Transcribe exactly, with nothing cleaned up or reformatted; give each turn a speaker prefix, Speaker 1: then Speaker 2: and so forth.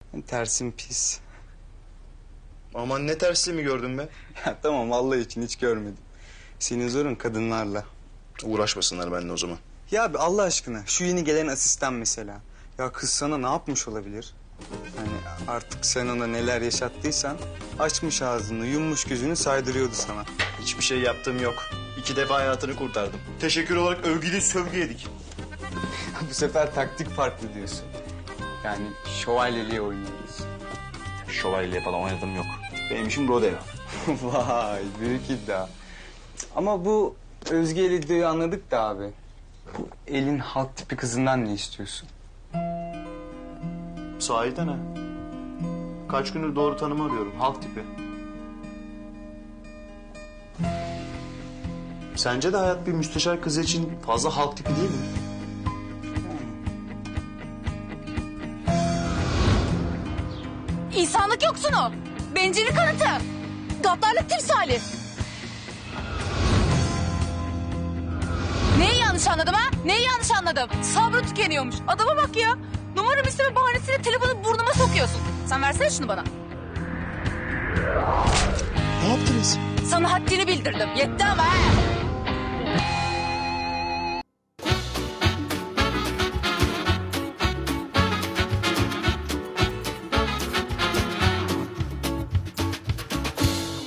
Speaker 1: Tersim pis.
Speaker 2: Aman ne tersliği mi gördün be?
Speaker 1: Ya tamam, vallahi için hiç görmedim. Senin zorun kadınlarla.
Speaker 2: Uğraşmasınlar benimle o zaman.
Speaker 1: Ya abi Allah aşkına şu yeni gelen asistan mesela. Ya kız sana ne yapmış olabilir? Hani artık sen ona neler yaşattıysan açmış ağzını, yummuş gözünü saydırıyordu sana.
Speaker 2: Hiçbir şey yaptığım yok. İki defa hayatını kurtardım. Teşekkür olarak övgülü sövgü yedik.
Speaker 1: Bu sefer taktik farklı diyorsun. Yani şövalyeliğe oynuyoruz.
Speaker 2: Şövalye falan oynadım yok. Benim işim rodeo.
Speaker 1: Vay, büyük iddia. Ama bu Özge ile iddiayı anladık da abi. Bu elin halk tipi kızından ne istiyorsun?
Speaker 2: Sahiden ha. Kaç gündür doğru tanımı arıyorum. Halk tipi. Sence de hayat bir müsteşar kızı için fazla halk tipi değil mi?
Speaker 3: İnsanlık yoksunu, bencillik kanıtı, gaddarlık timsali. Neyi yanlış anladım ha? Neyi yanlış anladım? Sabrı tükeniyormuş. Adama bak ya. Numaramı isteme bahanesiyle telefonu burnuma sokuyorsun. Sen versene şunu bana.
Speaker 2: Ne yaptınız?
Speaker 3: Sana haddini bildirdim. Yetti ama ha.